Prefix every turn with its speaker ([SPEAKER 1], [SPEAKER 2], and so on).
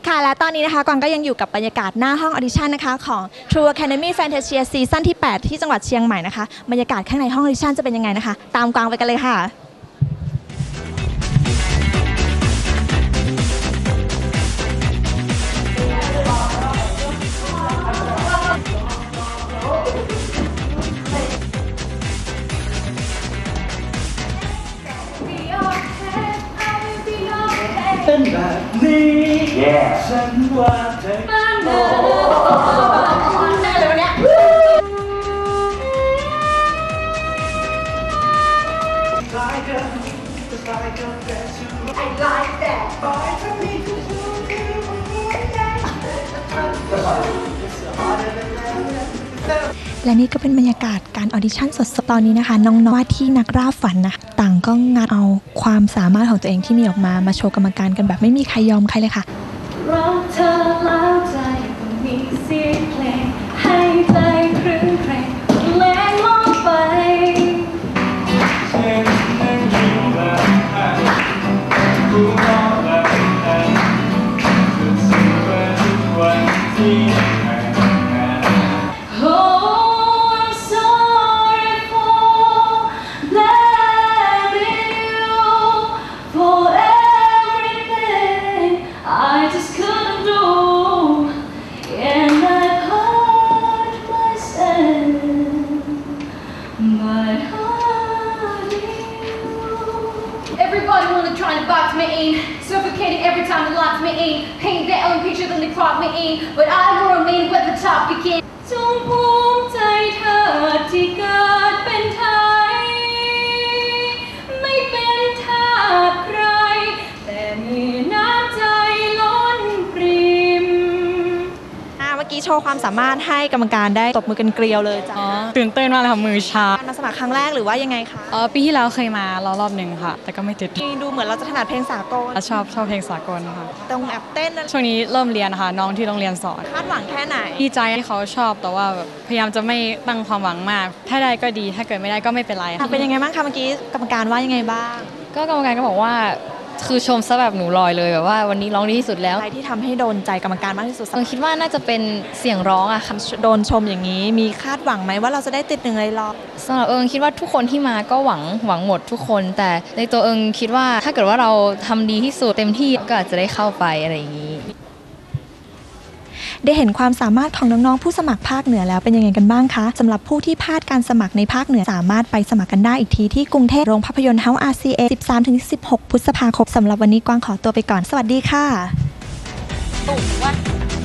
[SPEAKER 1] ค่ะและตอนนี้นะคะกวางก็ยังอยู่กับบรรยากาศหน้าห้องออดิชั่นนะคะของ True Academy Fantasia ซีซั่นที่ 8 ที่จังหวัดเชียงใหม่นะคะบรรยากาศข้างในห้องออดิชั่นจะเป็นยังไงนะคะตามกวางไปกันเลยค่ะ
[SPEAKER 2] เป็นแบบนี้ฉันว่าเธอได้เลยวันนี้
[SPEAKER 1] และนี่ก็เป็นบรรยากาศการออดิชั่นสดๆตอนนี้นะคะน้องๆว่าที่นักล่าฝันนะต่างก็งัดเอาความสามารถของตัวเองที่มีออกมาโชว์กรรมการกันแบบไม่มีใครยอมใครเลยค่ะ
[SPEAKER 3] รักเธอแล้วใจมีเสียงเพลงให้ใจครื้นเครงแรงมองไป
[SPEAKER 2] ฉันนั่งยิ้มแบบกูมองแบบสุดๆว่าทุกวันที่
[SPEAKER 3] Everybody wanna try to box me in, suffocating every time they lock me in, paint their own picture then they crop me in, but I will remain where the top begins. จงภูมิใจเธอที่เกิดเป็นไทยไม่เป็นทาสใครแต่มีน้ำใจล้นปริม
[SPEAKER 1] เมื่อกี้โชว์ความสามารถให้กรรมการได้ตบมือกันเกลียวเลยจ้ะ
[SPEAKER 4] ตื่นเต้นมากเลยค่ะมือชา
[SPEAKER 1] มาสมัครครั้งแรกหรือว่ายังไงคะ
[SPEAKER 4] ปีที่แล้วเคยมารอบหนึ่งค่ะแต่ก็ไม่ติด
[SPEAKER 1] ดูเหมือนเราจะถนัดเพลงสากล
[SPEAKER 4] ชอบเพลงสากลค่ะ
[SPEAKER 1] ตรงแอบเต้น
[SPEAKER 4] ช่วงนี้เริ่มเรียนนะคะน้องที่โรงเรียนสอน
[SPEAKER 1] คาดหวังแค่ไหน
[SPEAKER 4] ดีใจที่เขาชอบแต่ว่าพยายามจะไม่ตั้งความหวังมากถ้าได้ก็ดีถ้าเกิดไม่ได้ก็ไม่เป็นไรค่ะ
[SPEAKER 1] เป็นยังไงบ้างคะเมื่อกี้กรรมการว่ายังไงบ้าง
[SPEAKER 4] ก็กรรมการก็บอกว่าคือชมซะแบบหนูลอยเลยแบบว่าวันนี้ร้องดีที่สุดแล้ว
[SPEAKER 1] อะไรที่ทำให้โดนใจกรรมการมากที่สุด
[SPEAKER 4] คิดว่าน่าจะเป็นเสียงร้องอะค่ะ
[SPEAKER 1] โดนชมอย่างนี้มีคาดหวังไหมว่าเราจะได้ติด1ในรอบ
[SPEAKER 4] สำหรับคิดว่าทุกคนที่มาก็หวังหมดทุกคนแต่ในตัวคิดว่าถ้าเกิดว่าเราทำดีที่สุดเต็มที่ก็อาจจะได้เข้าไปอะไรอย่างนี้
[SPEAKER 1] ได้เห็นความสามารถของน้องๆผู้สมัครภาคเหนือแล้วเป็นยังไงกันบ้างคะสำหรับผู้ที่พลาดการสมัครในภาคเหนือสามารถไปสมัครกันได้อีกทีที่กรุงเทพโรงภาพยนตร์ House RCA 13-16 พฤษภาคมสำหรับวันนี้กวางขอตัวไปก่อนสวัสดีค่ะ